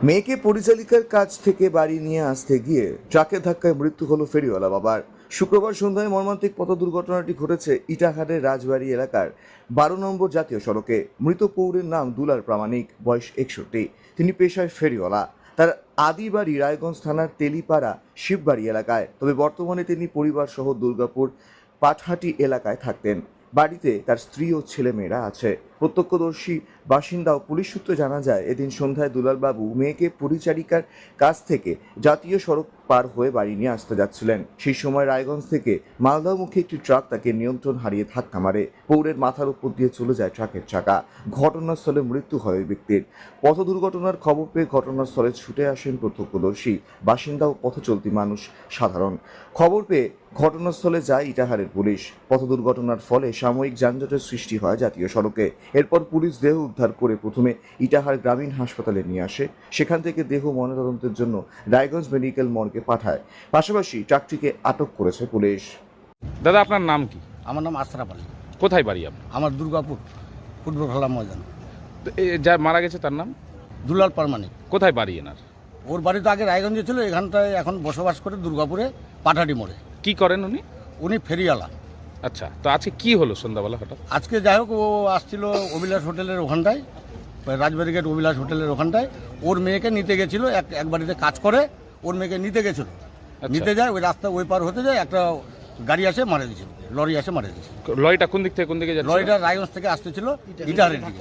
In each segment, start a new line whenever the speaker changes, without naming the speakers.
মেয়েকে পরিচালিকার কাছ থেকে বাড়ি নিয়ে আসতে গিয়ে ট্রাকের ধাক্কায় মৃত্যু হলো ফেরিওয়ালা বাবার। শুক্রবার সন্ধ্যায় মর্মান্তিক পথ দুর্ঘটনাটি ঘটেছে ইটাহারের রাজবাড়ি এলাকার 12 নম্বর জাতীয় সড়কে। মৃত পৌরের নাম দুলাল প্রামাণিক, বয়স 61। তিনি পেশায় ফেরিওয়ালা। তার আদি বাড়ি রায়গঞ্জ থানার তেলিপাড়া শিববাড়ি এলাকায়, তবে বর্তমানে তিনি পরিবার সহ দুর্গাপুর পাটহাটি এলাকায় থাকতেন। বাড়িতে তার স্ত্রী ও ছেলেমেয়েরা আছে। প্রত্যক্ষদর্শী বাসিন্দা ও পুলিশ সূত্রে জানা যায়, এদিন সন্ধ্যায় দুলালবাবু মেয়েকে পরিচারিকার কাছ থেকে জাতীয় সড়ক পার হয়ে বাড়ি নিয়ে আসতে যাচ্ছিলেন। সেই সময় রায়গঞ্জ থেকে মালদামুখী একটি ট্রাক তাকে নিয়ন্ত্রণ হারিয়ে ধাক্কা মারে। পৌরের মাথার উপর দিয়ে চলে যায় ট্রাকের চাকা। ঘটনাস্থলে মৃত্যু হয় ওই ব্যক্তির। পথ দুর্ঘটনার খবর পেয়ে ঘটনাস্থলে ছুটে আসেন প্রত্যক্ষদর্শী বাসিন্দা ও পথচলতি মানুষ সাধারণ। খবর পেয়ে ঘটনাস্থলে যায় ইটাহারের পুলিশ। পথ দুর্ঘটনার ফলে সাময়িক যানজটের সৃষ্টি হয় জাতীয় সড়কে। এরপর পুলিশ দেহ উদ্ধার করে প্রথমে ইটাহার গ্রামীণ হাসপাতালে নিয়ে আসে। সেখান থেকে দেহ ময়নাতদন্তের জন্য রায়গঞ্জ মেডিকেল মর্গে পাঠায়। পাশাপাশি ট্রাকটিকে আটক করেছে পুলিশ।
দাদা, আপনার নাম কি?
আমার নাম আশরাফ আলী।
কোথায় বাড়ি আপনার?
আমার দুর্গাপুর ফুটবল খেলা ময়দান।
তো যা মারা গেছে তার নাম?
দুলাল প্রামাণিক।
কোথায় বাড়ি এনার?
ওর বাড়ি তো আগে রায়গঞ্জে ছিল, এখানটায় এখন বসবাস করে দুর্গাপুরে পাটাটি মোড়ে।
কি করেন উনি?
উনি ফেরিওয়ালা।
আচ্ছা, তো আজকে কি হলো সন্ধ্যাবেলা হঠাৎ?
আজকে যাই হোক, ও আসছিল অভিলাষ হোটেলের ওখানটায়, রাজবাড়ি গেট অভিলাষ হোটেলের ওখানটায়। ওর মেয়েকে নিতে গেছিল, এক বাড়িতে কাজ করে, ওর মেয়েকে নিতে গেছিল। নিতে যায়, ওই রাস্তা ওই পার হতে যায়, একটা গাড়ি আসে মারা দিয়েছিল, লরি আসে মারা দিয়েছিল।
লরিটা কোন দিক থেকে কোন দিকে যাচ্ছে?
লরিটা রায়গঞ্জ থেকে আসতেছিল ইটাহারের দিকে।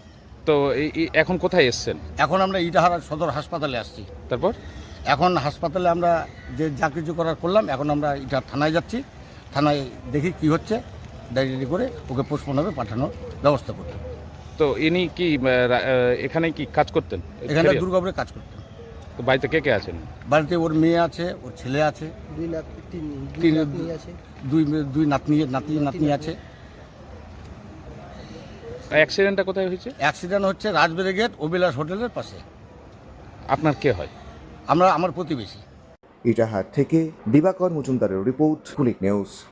তো এখন কোথায় এসছেন?
এখন আমরা ইটাহার সদর হাসপাতালে আসছি।
তারপর
এখন হাসপাতালে আমরা যে যা কিছু করার করলাম, এখন আমরা এটা থানায় যাচ্ছি। থানায় দেখি কি হচ্ছে, ডায়েরি করে ওকে পোস্টমর্টমে পাঠানোর ব্যবস্থা করতে।
তো ইনি কি এখানে কি কাজ করতেন?
এখানে দুর্গাপুরে কাজ করতেন।
তো বাড়িতে কে কে আছেন?
বাড়িতে ওর মেয়ে আছে, ওর ছেলে আছে, দুই নাতনি আছে।
অ্যাক্সিডেন্টটা কোথায় হয়েছে?
অ্যাক্সিডেন্ট হচ্ছে রাজবাড়ি গেট অভিলাষ হোটেলের পাশে।
আপনার কে হয়?
আমার প্রতিবেশী।
ইটাহার থেকে দিবাকর মজুমদারের রিপোর্ট, কুলিক নিউজ।